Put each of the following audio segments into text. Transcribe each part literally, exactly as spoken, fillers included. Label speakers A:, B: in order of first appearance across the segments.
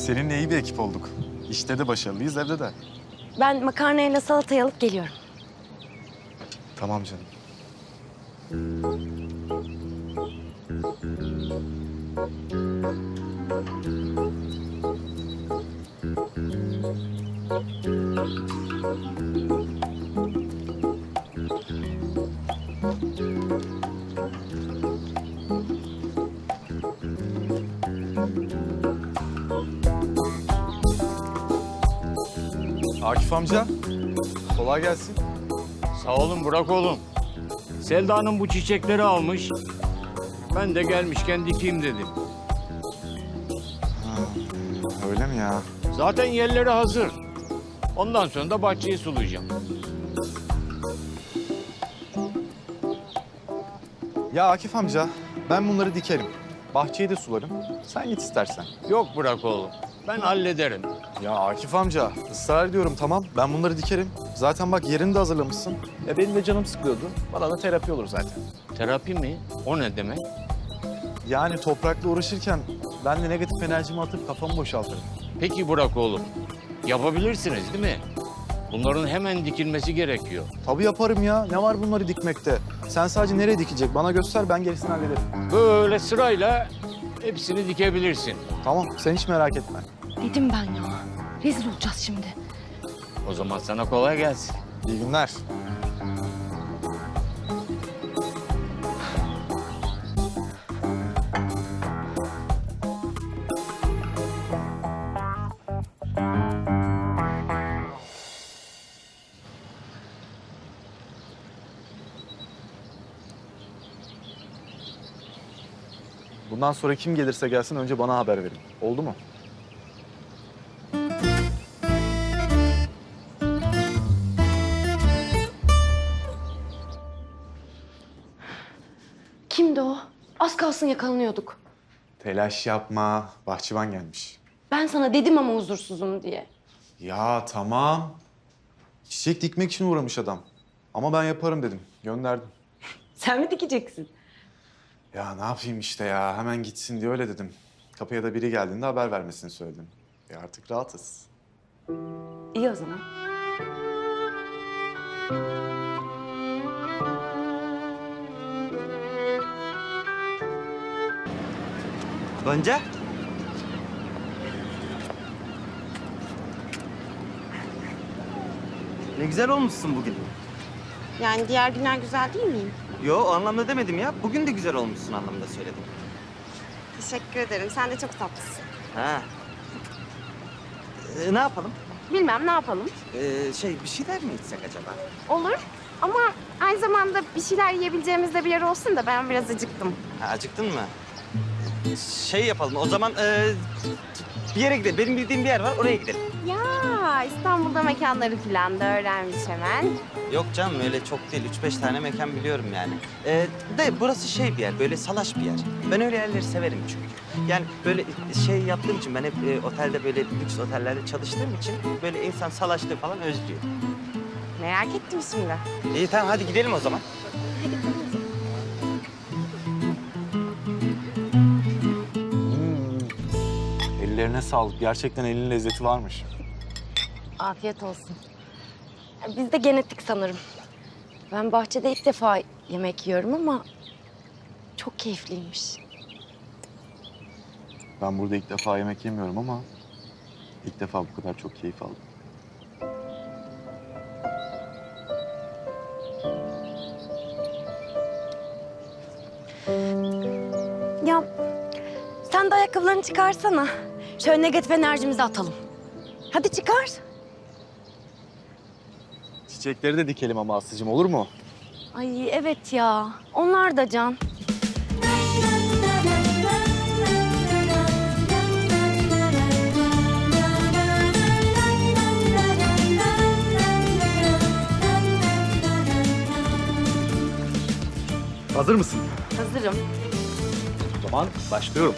A: seninle iyi bir ekip olduk. İşte de başarılıyız, evde de.
B: Ben makarnayla salatayı alıp geliyorum.
A: Tamam canım. Akif amca, kolay gelsin.
C: Sağ olun Burak oğlum. Selda Hanım bu çiçekleri almış. Ben de gelmişken dikeyim dedim.
A: Öyle mi ya?
C: Zaten yerleri hazır. Ondan sonra da bahçeyi sulayacağım.
A: Ya Akif amca, ben bunları dikerim. Bahçeyi de sularım. Sen git istersen.
C: Yok Burak oğlum. Ben hallederim.
A: Ya Akif amca, ısrar ediyorum tamam. Ben bunları dikerim. Zaten bak yerini de hazırlamışsın. Ya benim de canım sıkıyordu. Bana da terapi olur zaten.
C: Terapi mi? O ne demek?
A: Yani toprakla uğraşırken ben de negatif enerjimi atıp kafamı boşaltırım.
C: Peki Burak oğlum. Yapabilirsiniz değil mi? Bunların hemen dikilmesi gerekiyor.
A: Tabii yaparım ya. Ne var bunları dikmekte? Sen sadece nereye dikecek? Bana göster, ben gerisini hallederim.
C: Böyle sırayla hepsini dikebilirsin.
A: Tamam, sen hiç merak etme.
B: Dedim ben ya. Rezil olacağız şimdi.
C: O zaman sana kolay gelsin.
A: İyi günler. Bundan sonra kim gelirse gelsin önce bana haber verin. Oldu mu?
B: Kimdi o? Az kalsın yakalanıyorduk.
A: Telaş yapma. Bahçıvan gelmiş.
B: Ben sana dedim ama huzursuzum diye.
A: Ya tamam. Çiçek dikmek için uğramış adam. Ama ben yaparım dedim. Gönderdim.
B: Sen mi dikeceksin?
A: Ya ne yapayım işte ya. Hemen gitsin diye öyle dedim. Kapıya da biri geldiğinde haber vermesini söyledim. E artık rahatız.
B: İyi o zaman.
D: Gonca. Ne güzel olmuşsun bugün.
E: Yani diğer günler güzel değil miyim?
D: Yo, o anlamda demedim ya. Bugün de güzel olmuşsun anlamında söyledim.
E: Teşekkür ederim. Sen de çok tatlısın.
D: Ha. Ee, ne yapalım?
E: Bilmem ne yapalım.
D: Ee, şey, bir şeyler mi içsek acaba?
E: Olur ama aynı zamanda bir şeyler yiyebileceğimiz de bir yer olsun da ben biraz acıktım.
D: Ha, acıktın mı? Şey yapalım, o zaman ee, bir yere gidelim. Benim bildiğim bir yer var, oraya gidelim.
E: Ya İstanbul'da mekanları falan da öğrenmiş hemen.
D: Yok canım, öyle çok değil. Üç beş tane mekan biliyorum yani. Ee, de burası şey bir yer, böyle salaş bir yer. Ben öyle yerleri severim çünkü. Yani böyle şey yaptığım için, ben hep e, otelde böyle lüks otellerde çalıştığım için böyle insan salaşlığı falan özlüyor.
E: Merak ettim şimdi.
D: İyi tamam, hadi gidelim o zaman.
A: Ellerine sağlık. Gerçekten elin lezzeti varmış.
B: Afiyet olsun. Biz de genetik sanırım. Ben bahçede ilk defa yemek yiyorum ama çok keyifliymiş.
A: Ben burada ilk defa yemek yemiyorum ama ilk defa bu kadar çok keyif aldım.
B: Ya sen de ayakkabılarını çıkarsana. Şöyle negatif enerjimizi atalım. Hadi çıkar.
A: Çiçekleri de dikelim ama Aslı'cığım, olur mu?
B: Ay evet ya. Onlar da can.
A: Hazır mısın?
B: Hazırım.
A: O zaman başlıyorum.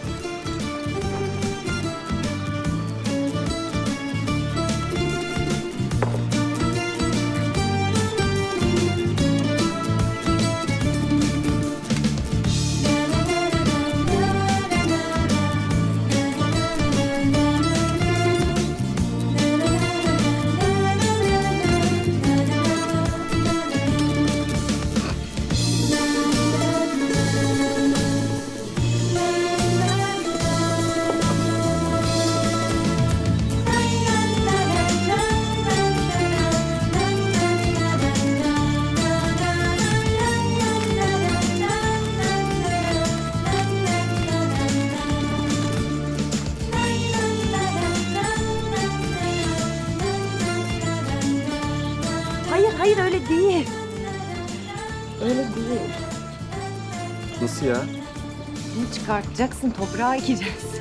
B: öyle değil. Öyle değil.
A: Nasıl ya?
B: Bunu çıkartacaksın, toprağa ekeceksin.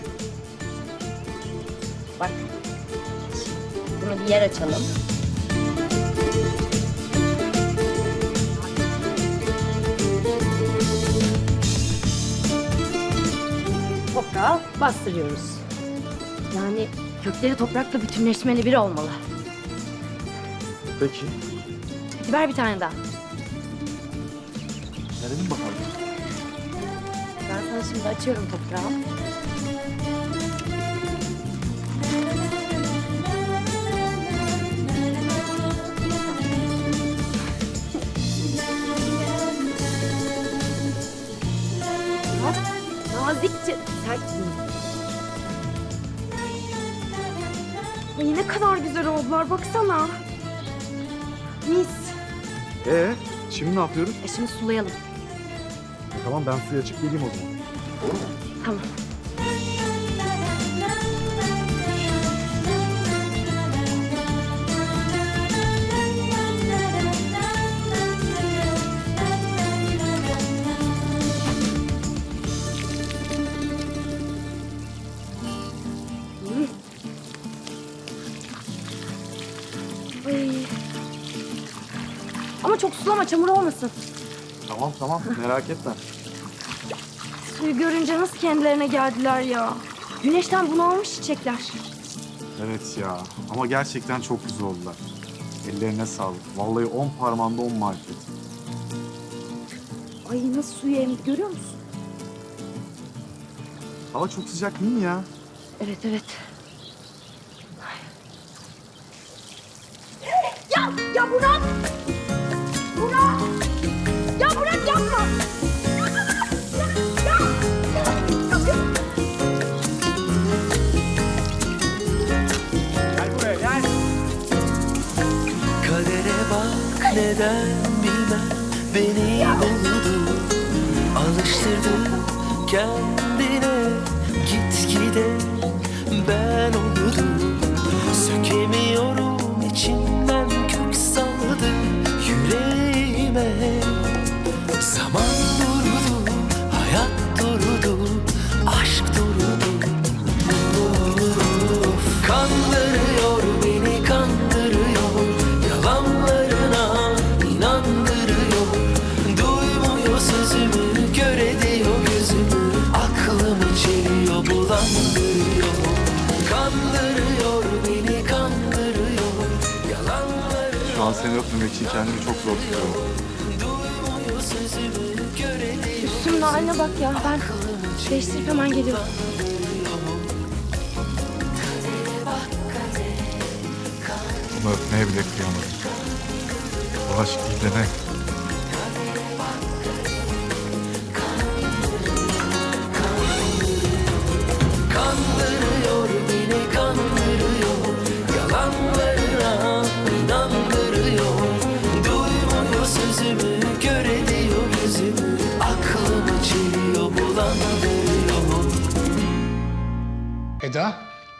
B: Bak. Bunu bir yer açalım. Toprağa bastırıyoruz. Yani kökleri toprakla bütünleşmeli biri olmalı.
A: Peki.
B: Hadi ver bir tane daha.
A: Verelim bakalım.
B: Ben sana şimdi açıyorum toprağı. Bak, nazikçe sert değil.
E: Ay ne kadar güzel oldular baksana. Mis.
A: Ee, şimdi ne yapıyoruz?
B: E şimdi sulayalım.
A: Tamam ben suya açıp geleyim o zaman.
B: Tamam. Ay. Ama çok sulama, çamur olmasın.
A: Tamam tamam merak etme.
B: Suyu görünce nasıl kendilerine geldiler ya. Güneşten bunalmış çiçekler.
A: Evet ya ama gerçekten çok güzel oldular. Ellerine sağlık. Vallahi on parmağında on marifet.
B: Ay nasıl suyu emdi görüyor musun?
A: Hava çok sıcak değil mi ya?
B: Evet evet. Ya ya Burak! Burak! Ya Burak yapma!
F: Kadere bak neden bilmem beni buldu. Alıştırdı kendine gitgide ben oldum. Sökemiyorum içimden kök saldı yüreğime. Zaman durdu, hayat durdu, aşk durdu. Of, kandırıyor beni kandırıyor, yalanlarına inandırıyor. Duymuyor sözümü, kör ediyor gözümü, aklımı çeliyor, bulandırıyor. Kandırıyor beni kandırıyor, yalanlarına.
A: Şu an seni öpmemek için kendimi çok zor tutuyorum.
F: Duymuyor sözümü, kör ediyor.
B: Üstümün haline bak ya. Ben değiştirip hemen geliyorum.
A: Bunu öpmeye bile kıyamadım. Bu aşk değil de ne?
F: Kandırıyor beni kandırıyor, yalanlarına inandırıyor. Duymuyor sözümü, kör ediyor gözümü, aklımı çeliyor, bulandırıyor.
G: Eda.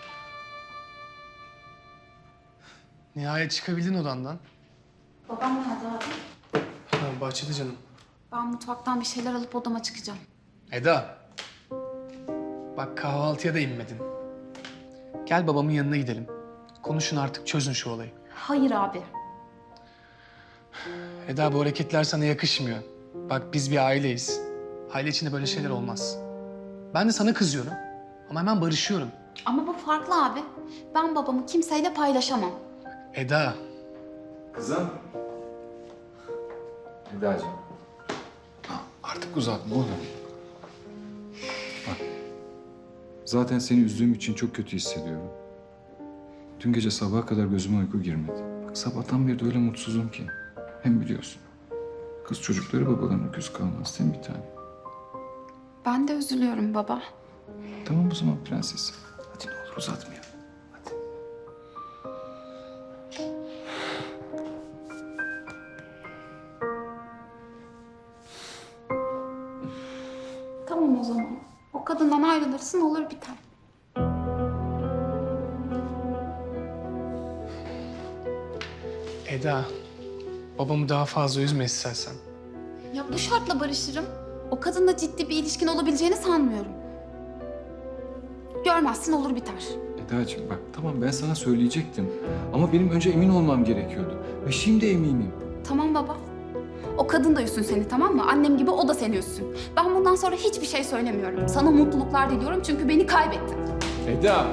G: Nihayet çıkabildin odandan.
H: Babam nerede abi?
G: Ha, bahçede canım.
H: Ben mutfaktan bir şeyler alıp odama çıkacağım.
G: Eda. Bak kahvaltıya da inmedin. Gel babamın yanına gidelim. Konuşun artık, çözün şu olayı.
H: Hayır abi.
G: Eda bu hareketler sana yakışmıyor. Bak biz bir aileyiz. Aile içinde böyle şeyler olmaz. Ben de sana kızıyorum. Ama hemen barışıyorum.
H: Ama bu farklı abi. Ben babamı kimseyle paylaşamam.
G: Eda.
I: Kızım. Eda'cığım.
G: Artık uzatma oğlum.
I: Zaten seni üzdüğüm için çok kötü hissediyorum. Dün gece sabaha kadar gözüme uyku girmedi. Bak sabahtan beri de öyle mutsuzum ki. Hem biliyorsun. Kız çocukları babalarına küs kalmaz değil mi bir tane?
H: Ben de üzülüyorum baba.
I: Tamam o zaman prenses. Hadi ne olur uzatmayalım. Hadi.
H: Tamam o zaman. O kadından ayrılırsın olur biter.
G: Eda. babamı daha fazla üzme istersen.
H: Ya bu şartla barışırım. O kadınla ciddi bir ilişkin olabileceğini sanmıyorum. Görmezsin olur biter.
I: Eda'cığım bak tamam ben sana söyleyecektim. Ama benim önce emin olmam gerekiyordu. Ve şimdi eminim.
H: Tamam baba. O kadın da üzsün seni, tamam mı? Annem gibi o da seni üzsün. Ben bundan sonra hiçbir şey söylemiyorum. Sana mutluluklar diliyorum çünkü beni kaybettin.
I: Eda!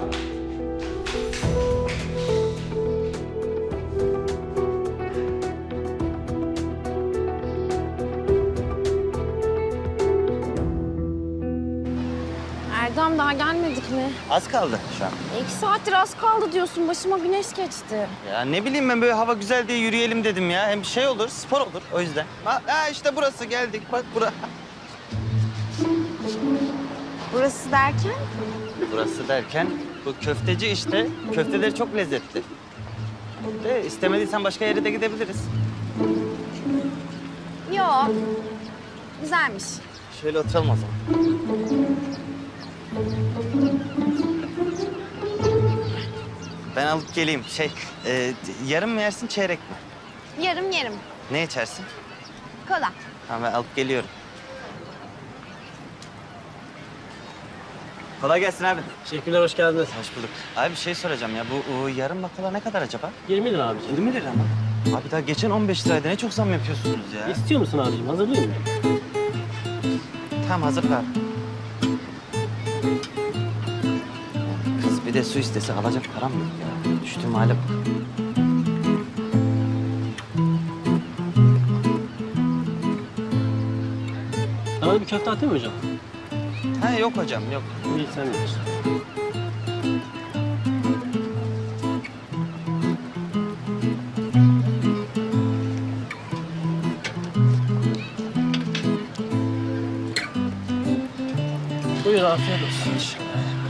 B: Erdem daha gelmedik mi?
D: Az kaldı şu an.
B: İki saattir az kaldı diyorsun. Başıma güneş geçti.
D: Ya ne bileyim ben böyle hava güzel diye yürüyelim dedim ya. Hem şey olur, spor olur o yüzden. Ha, ha işte burası geldik bak bura.
B: Burası derken?
D: Burası derken bu köfteci işte. Köfteleri çok lezzetli. De istemediysen başka yere de gidebiliriz.
B: Yok. Güzelmiş.
D: Şöyle oturalım o zaman. Ben alıp geleyim. Şey, e, yarım mı yersin, çeyrek mi?
B: Yarım yerim.
D: Ne içersin?
B: Kola.
D: Tamam ben alıp geliyorum. Kolay gelsin abi.
J: Teşekkürler, hoş geldiniz.
D: Hoş bulduk. Abi bir şey soracağım ya. Bu o, yarım bakola ne kadar acaba?
J: yirmi lira abiciğim.
D: yirmi lira mı? Abi daha geçen on beş liraydı. Ne çok zam yapıyorsunuz ya.
J: İstiyor musun abiciğim? Hazırlayayım mı?
D: Tamam hazır abi. Kız bir de su istese alacak param yok ya. Düştüğüm hale bak.
J: Sana da bir köfte atayım mı hocam?
D: Ha yok hocam yok.
J: İyi, sen bilirsin. Buyur, afiyet olsun.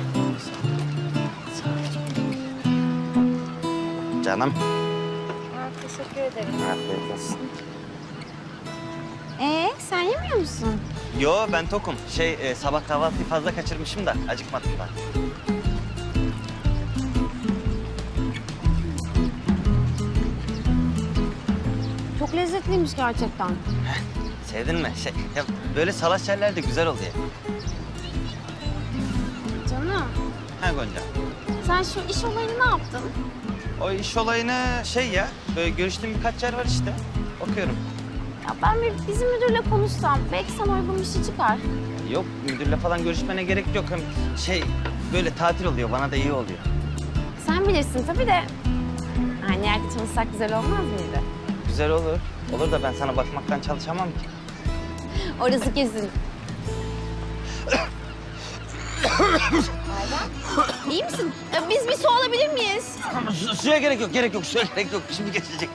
D: Canım.
B: Teşekkür ederim.
D: Afiyet olsun.
B: Ee, sen yemiyor musun?
D: Yo ben tokum. Şey e, sabah kahvaltıyı fazla kaçırmışım da acıkmadım ben.
B: Çok lezzetliymiş gerçekten.
D: Sevdin mi? Şey, ya böyle salaş yerler de güzel oluyor.
B: Canım,
D: Ha Gonca.
B: sen şu iş olayını ne yaptın?
D: O iş olayını şey ya, böyle görüştüğüm birkaç yer var işte. Okuyorum.
B: Ya ben bir bizim müdürle konuşsam belki sana uygun bir şey çıkar.
D: Yok müdürle falan görüşmene gerek yok. Hem şey böyle tatil oluyor, bana da iyi oluyor.
B: Sen bilirsin tabii de. Aynı yerde çalışsak güzel olmaz mıydı?
D: Güzel olur. Olur da ben sana bakmaktan çalışamam ki.
B: Orası kesin. Erdem, iyi misin? Ya biz bir su alabilir miyiz?
D: Su, suya gerek yok, gerek yok. Suya gerek yok. Şimdi geçecek.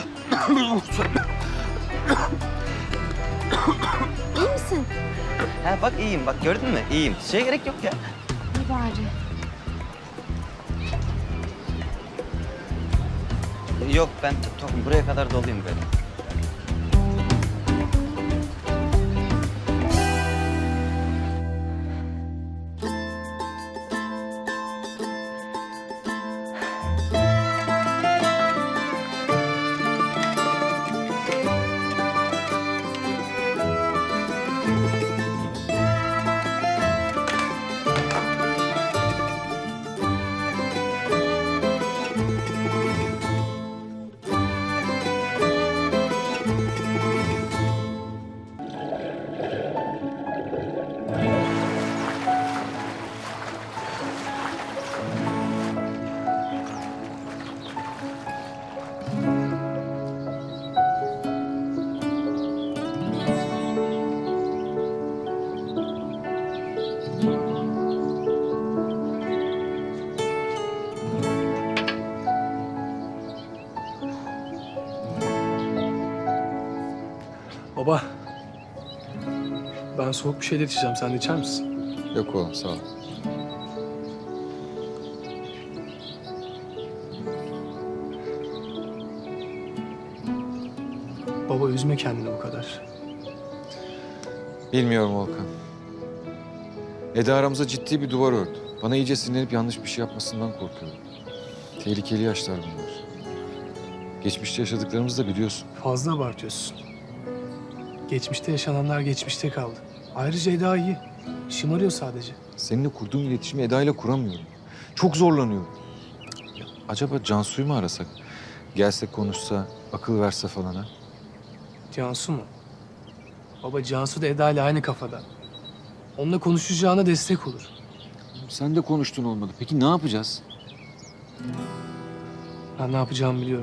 B: İyi misin?
D: Ha bak iyiyim, bak gördün mü? İyiyim. Suya gerek yok ya.
B: İyi bari.
D: Yok ben tokum. Buraya kadar doluyum böyle.
G: Baba, ben soğuk bir şeyler içeceğim. Sen de içer misin?
I: Yok oğlum sağ ol.
G: Baba üzme kendini bu kadar.
I: Bilmiyorum Volkan. Eda aramıza ciddi bir duvar ördü. Bana iyice sinirlenip yanlış bir şey yapmasından korkuyorum. Tehlikeli yaşlar bunlar. Geçmişte yaşadıklarımızı da biliyorsun.
G: Fazla abartıyorsun. Geçmişte yaşananlar geçmişte kaldı. Ayrıca Eda iyi. Şımarıyor sadece.
I: Seninle kurduğum iletişimi Eda ile kuramıyorum. Çok zorlanıyorum. Ya, acaba Cansu'yu mu arasak? Gelse konuşsa, akıl verse falan ha?
G: Cansu mu? Baba Cansu da Eda ile aynı kafada. Onunla konuşacağına destek olur.
I: Sen de konuştun olmadı. Peki ne yapacağız?
G: Ben ne yapacağımı biliyorum.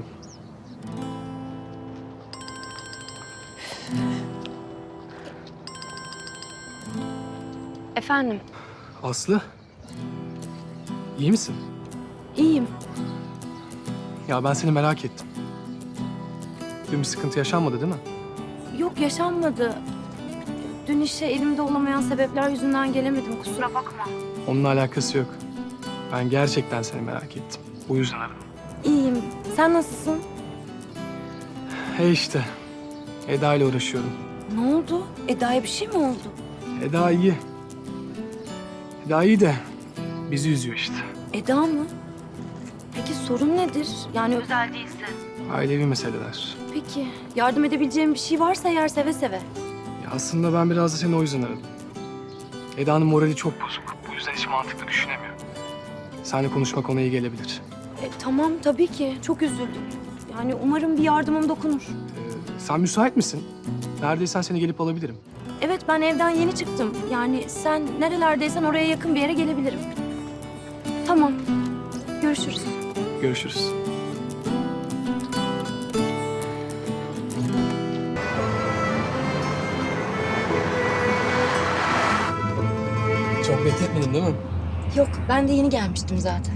B: Efendim,
G: Aslı. İyi misin?
B: iyiyim.
G: Ya ben seni merak ettim. Dün bir sıkıntı yaşanmadı değil mi?
B: Yok, yaşanmadı. Dün işe elimde olamayan sebepler yüzünden gelemedim, kusura bakma.
G: Onunla alakası yok. Ben gerçekten seni merak ettim. Bu yüzden aradım.
B: İyiyim. Sen nasılsın?
G: He işte. Eda ile uğraşıyorum.
B: Ne oldu? Eda'ya bir şey mi oldu?
G: Eda iyi. Eda iyi de bizi üzüyor işte.
B: Eda mı? Peki sorun nedir? Yani özel değilse.
G: Ailevi meseleler.
B: Peki, yardım edebileceğim bir şey varsa eğer seve seve.
G: Ya aslında ben biraz da seni o yüzden aradım. Eda'nın morali çok bozuk. Bu yüzden hiç mantıklı düşünemiyor. Seninle konuşmak ona iyi gelebilir.
B: E, tamam, tabii ki. Çok üzüldüm. Yani umarım bir yardımım dokunur.
G: Ee, sen müsait misin? Neredeysen seni gelip alabilirim.
B: Evet, ben evden yeni çıktım. Yani sen nerelerdeysen oraya yakın bir yere gelebilirim. Tamam. Görüşürüz.
G: Görüşürüz. Çok bekletmedim değil mi?
B: Yok, ben de yeni gelmiştim zaten.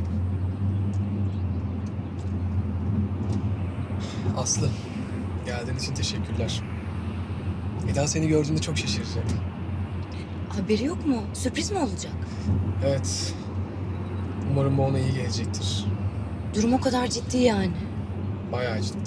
G: Aslı, geldiğin için teşekkürler. Eda seni gördüğünde çok şaşıracak.
B: Haberi yok mu? Sürpriz mi olacak?
G: Evet. Umarım bu ona iyi gelecektir.
B: Durum o kadar ciddi yani.
G: Bayağı ciddi.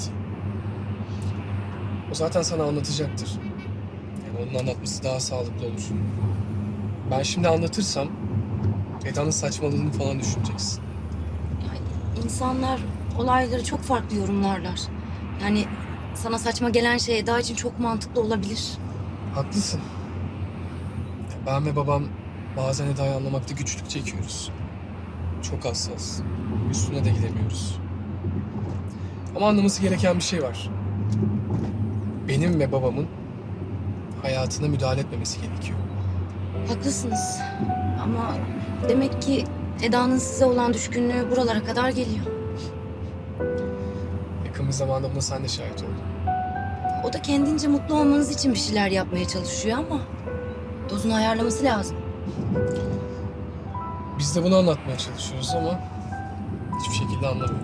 G: O zaten sana anlatacaktır. Yani onun anlatması daha sağlıklı olur. Ben şimdi anlatırsam Eda'nın saçmaladığını falan düşüneceksin.
B: Yani insanlar olayları çok farklı yorumlarlar. Yani sana saçma gelen şey Eda için çok mantıklı olabilir.
G: Haklısın. Ben ve babam bazen Eda'yı anlamakta güçlük çekiyoruz. Çok hassas. Üstüne de gidemiyoruz. Ama anlaması gereken bir şey var. Benim ve babamın hayatına müdahale etmemesi gerekiyor.
B: Haklısınız. Ama demek ki Eda'nın size olan düşkünlüğü buralara kadar geliyor.
G: Yakın bir zamanda buna sen de şahit oldun.
B: O da kendince mutlu olmanız için bir şeyler yapmaya çalışıyor ama dozunu ayarlaması lazım.
G: Biz de bunu anlatmaya çalışıyoruz ama hiçbir şekilde anlamıyor.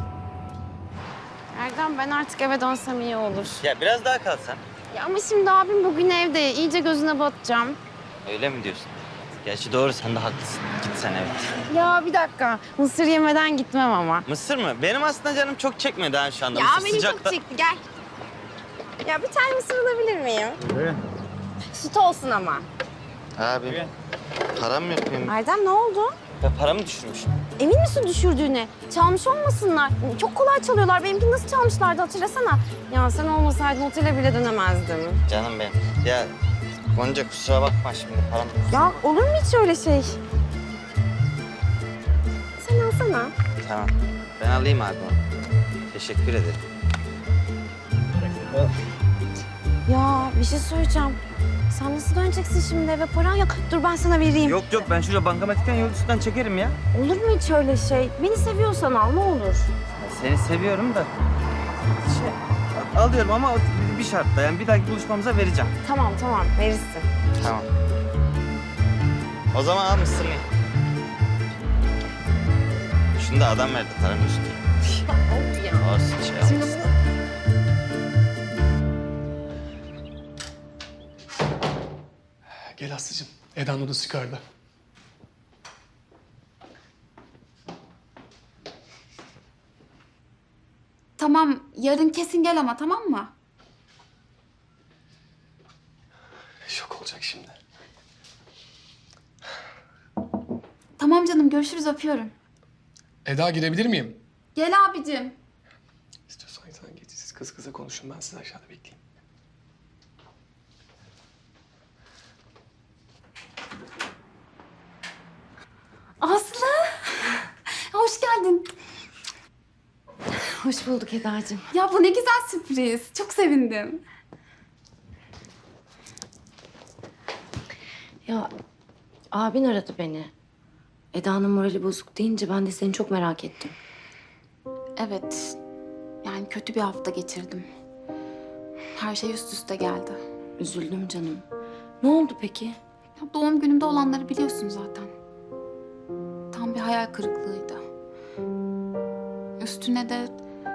E: Erdem, ben artık eve dönsem iyi olur.
D: Ya biraz daha kalsan.
E: Ya ama şimdi abim bugün evde. İyice gözüne batacağım.
D: Öyle mi diyorsun? Gerçi doğru, sen de haklısın. Git sen, evet.
E: Ya bir dakika. Mısır yemeden gitmem ama.
D: Mısır mı? Benim aslında canım çok çekmedi ha şu anda.
E: Ya
D: Mısır
E: benim
D: sıcakta...
E: çok çekti. Gel. Ya bir tane mısır alabilir miyim? Süt olsun ama.
D: Abi, param yok benim.
E: Erdem, ne oldu?
D: Ben paramı düşürmüşüm.
E: Emin misin düşürdüğüne? Çalmış olmasınlar. Çok kolay çalıyorlar. Benimkini nasıl çalmışlardı hatırlasana. Ya sen olmasaydın otele bile dönemezdim.
D: Canım benim. Ya Gonca, kusura bakma şimdi, param...
E: Ya olur mu hiç öyle şey? Sen alsana.
D: Tamam. Ben alayım abi onu. Teşekkür ederim.
E: Ya bir şey söyleyeceğim. Sen nasıl döneceksin şimdi eve? Paran yok. Dur ben sana vereyim.
D: Yok yok, ben şurada bankamatikten yol üstünden çekerim ya.
E: Olur mu hiç öyle şey? Beni seviyorsan al, ne olur.
D: Seni seviyorum da... Şey, alıyorum ama bir şartla, yani bir dahaki buluşmamıza vereceğim.
E: Tamam tamam, verirsin.
D: Tamam. O zaman al mısırını. Şunu da adam verdi paranın üstüne.
E: Of ya.
D: Olsun, şey
E: Şimdi
D: olmasın.
E: bunu...
G: Gel Aslı'cığım. Eda'nın odası yukarıda.
H: Tamam, yarın kesin gel ama, tamam mı?
G: Şok olacak şimdi.
H: Tamam canım, görüşürüz, öpüyorum.
G: Eda girebilir miyim?
H: Gel abicim.
G: İstiyorsan sen kız kıza konuşun, ben sizi aşağıda bekleyeyim.
H: Aslı! Hoş geldin.
B: Hoş bulduk Eda'cığım.
H: Ya bu ne güzel sürpriz. Çok sevindim.
B: Ya abin aradı beni. Eda'nın morali bozuk deyince ben de seni çok merak ettim.
H: Evet. Yani kötü bir hafta geçirdim. Her şey üst üste geldi.
B: Üzüldüm canım. Ne oldu peki?
H: Ya doğum günümde olanları biliyorsun zaten. Tam bir hayal kırıklığıydı. Üstüne de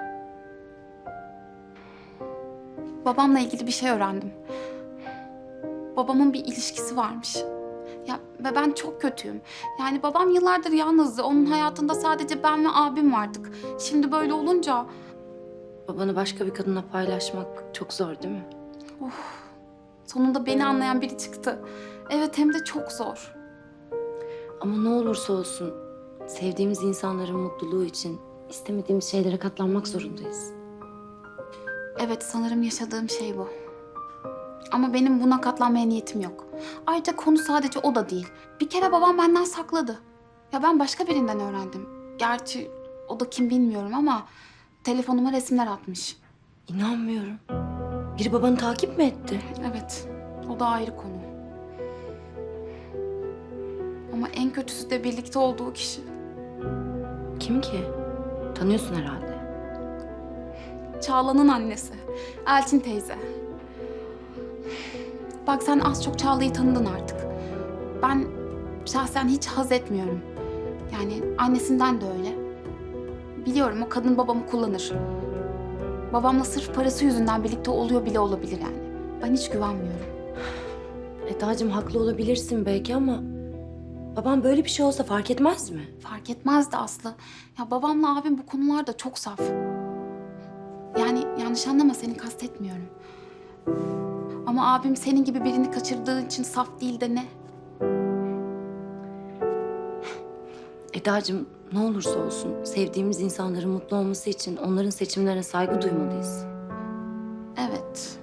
H: babamla ilgili bir şey öğrendim. Babamın bir ilişkisi varmış. Ya ve ben çok kötüyüm. Yani babam yıllardır yalnızdı. Onun hayatında sadece ben ve abim vardık. Şimdi böyle olunca
B: Babanı başka bir kadınla paylaşmak çok zor değil mi?
H: sonunda beni anlayan biri çıktı. Evet, hem de çok zor.
B: Ama ne olursa olsun sevdiğimiz insanların mutluluğu için istemediğimiz şeylere katlanmak zorundayız.
H: Evet, sanırım yaşadığım şey bu. Ama benim buna katlanmaya niyetim yok. Ayrıca konu sadece o da değil. Bir kere babam benden sakladı. Ya ben başka birinden öğrendim. Gerçi o da kim bilmiyorum ama telefonuma resimler atmış.
B: İnanmıyorum. Biri babanı takip mi etti?
H: Evet, o da ayrı konu. Ama en kötüsü de birlikte olduğu kişi.
B: Kim ki? Tanıyorsun herhalde.
H: Çağla'nın annesi. Elçin teyze. Bak sen az çok Çağla'yı tanıdın artık. Ben şahsen hiç haz etmiyorum. Yani annesinden de öyle. Biliyorum o kadın babamı kullanır. Babamla sırf parası yüzünden birlikte oluyor bile olabilir yani. Ben hiç güvenmiyorum.
B: Eda'cığım haklı olabilirsin belki ama babam böyle bir şey olsa fark etmez mi?
H: Fark etmezdi Aslı. Ya babamla abim bu konularda çok saf. Yani yanlış anlama, seni kastetmiyorum. Ama abim senin gibi birini kaçırdığı için saf değil de ne?
B: Eda'cığım ne olursa olsun sevdiğimiz insanların mutlu olması için onların seçimlerine saygı duymalıyız.
H: Evet.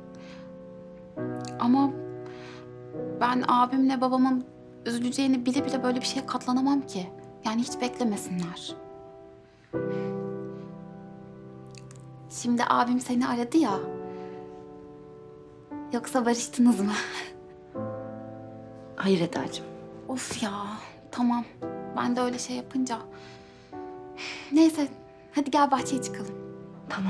H: Ama ben abimle babamın üzüleceğini bile bile böyle bir şeye katlanamam ki. Yani hiç beklemesinler. Şimdi abim seni aradı ya. Yoksa barıştınız mı?
B: Hayır Eda'cığım.
H: Of ya, tamam. Ben de öyle şey yapınca. Neyse, hadi gel bahçeye çıkalım.
B: Tamam.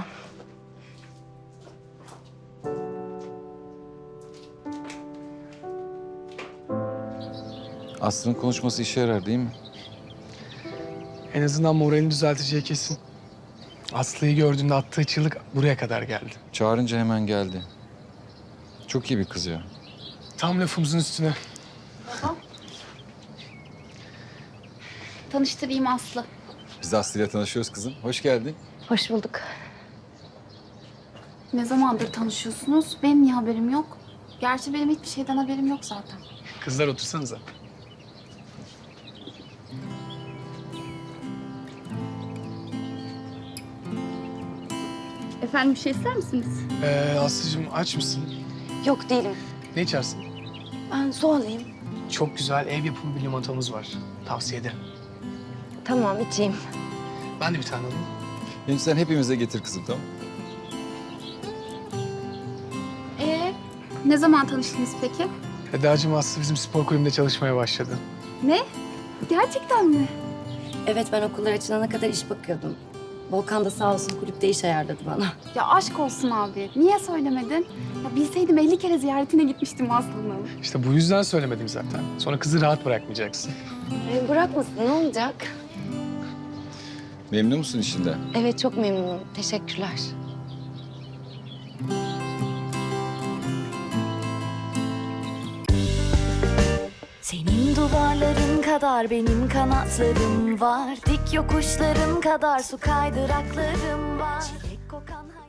I: Aslı'nın konuşması işe yarar değil mi?
G: En azından moralini düzelteceği kesin. Aslı'yı gördüğünde attığı çığlık buraya kadar geldi.
I: Çağırınca hemen geldi. Çok iyi bir kız ya.
G: Tam lafımızın üstüne.
H: Tanıştırayım Aslı.
I: Biz de Aslı'yla tanışıyoruz kızım. Hoş geldin.
B: Hoş bulduk.
H: Ne zamandır tanışıyorsunuz? Benim niye haberim yok? Gerçi benim hiçbir şeyden haberim yok zaten.
G: Kızlar otursanıza.
H: Efendim bir şey ister misiniz?
G: Ee, Aslı'cığım aç mısın?
B: Yok değilim.
G: Ne içersin?
B: Ben su alayım.
G: Çok güzel ev yapımı bir limonatamız var. Tavsiye ederim.
B: Tamam içeyim.
G: Ben de bir tane alayım.
I: Şimdi sen hepimize getir kızım, tamam mı?
H: Ee, ne zaman tanıştınız peki?
G: Eda'cığım Aslı bizim spor kulübünde çalışmaya başladı.
H: Ne? Gerçekten mi?
B: Evet ben okullar açılana kadar iş bakıyordum. Volkan da sağ olsun kulüpte iş ayarladı bana.
H: Ya aşk olsun abi. Niye söylemedin? Ya bilseydim elli kere ziyaretine gitmiştim Aslı'nın.
G: İşte bu yüzden söylemedim zaten. Sonra kızı rahat bırakmayacaksın.
B: E, bırakmasın ne olacak?
I: Memnun musun işinden?
B: Evet çok memnunum. Teşekkürler.
K: Senin duvarların kadar benim kanatlarım var. Dik yokuşların kadar su kaydıraklarım var. Çilek kokan